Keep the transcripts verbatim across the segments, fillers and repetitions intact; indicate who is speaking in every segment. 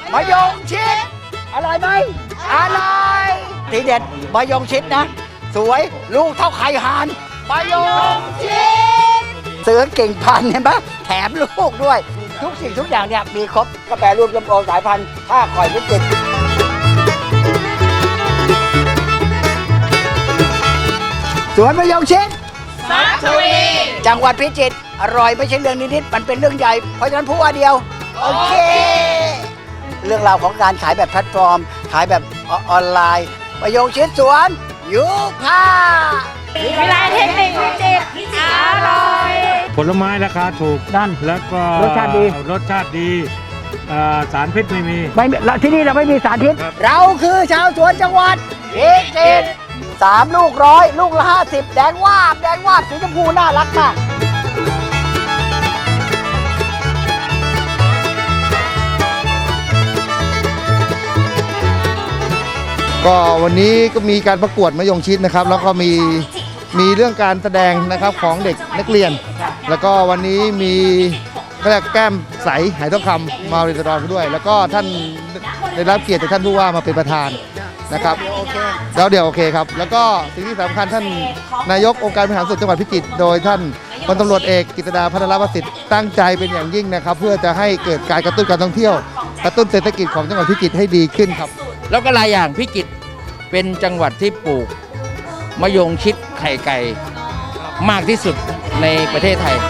Speaker 1: มะยงชิดอร่อยไหมอร่อยทีเด็ดมะยงชิดนะสวยลูกเท่าไข่ห่านมะยงชิดเสือเก่งพันเห็นปะแถมลูกด้วยทุกสิ่งทุกอย่างเนี่ยมีครบกาแฟรวมลำโพงสายพันธุ์ท่าคอยพิจิตรสวนมะยงชิด
Speaker 2: มัทวี
Speaker 1: จังหวัดพิจิตรอร่อยไม่ใช่เรื่องนิดๆมันเป็นเรื่องใหญ่เพราะฉะนั้นพูดว่าเดียวโอเคเรื่องราวของการขายแบบแพลตฟอร์มขายแบบออนไลน์มะยงชิดสวนยูพา
Speaker 2: วิไลเทคนิคพิจิตรอร่อย
Speaker 3: ผลไม้ราคาถูก
Speaker 1: นั่น
Speaker 3: แล้วก็
Speaker 1: รสชาติดี
Speaker 3: รสชาติดีเอ่อสารพิษไม่มี
Speaker 1: ไม่ที่นี่เราไม่มีสารพิษ
Speaker 3: ครับ
Speaker 1: เราคือชาวสวนจังหวัดพิจิตรสามลูกร้อยลูกละห้าสิบแดงวาบแดงวาบสีชมพูน่ารักมาก
Speaker 4: ก็วันนี้ก็มีการประกวดมะยงชิดนะครับแล้วก็มีมีเรื่องการแสดงนะครับของเด็กนักเรียน แล้วก็วันนี้มีก็เรียกแก้มใสหายทองคำมาเรียนรอนด้วย แล้วก็ท่านได้รับเกียรติจากท่านผู้ว่ามาเป็นประธานนะครับแล้วเดี๋ยวโอเคครับแล้วก็สิ่งที่สำคัญท่านนายกองค์การบริหารส่วนจังหวัดพิจิตรโดยท่านพลตำรวจเอกกฤษดาพัฒนประสิทธิ์ตั้งใจเป็นอย่างยิ่งนะครับเพื่อจะให้เกิดการกระตุ้นการท่องเที่ยวกระตุ้นเศรษฐกิจของจังหวัดพิจิตรให้ดีขึ้นครับ
Speaker 5: แล้วก็หลายอย่างพิจิตรเป็นจังหวัดที่ปลูกมะยงชิดไข่ไก่มากที่สุดในประเทศไทย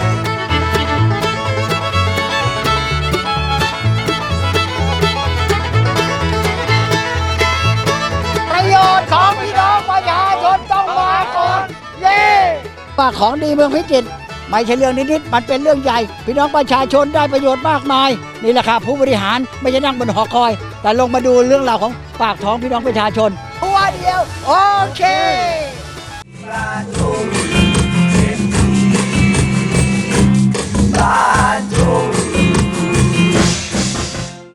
Speaker 1: ประโยชน์ของพี่น้องประชาชนต้องมาก่อนเย้ว่าของดีเมืองพิจิตรไม่ใช่เรื่องนิดๆมันเป็นเรื่องใหญ่พี่น้องประชาชนได้ประโยชน์มากมายนี่แหละครับผู้บริหารไม่ใช่นั่งบนหอคอย แต่ลงมาดูเรื่องราวของปากท้องพี่น้องประชาชนตัวเดียวโอเค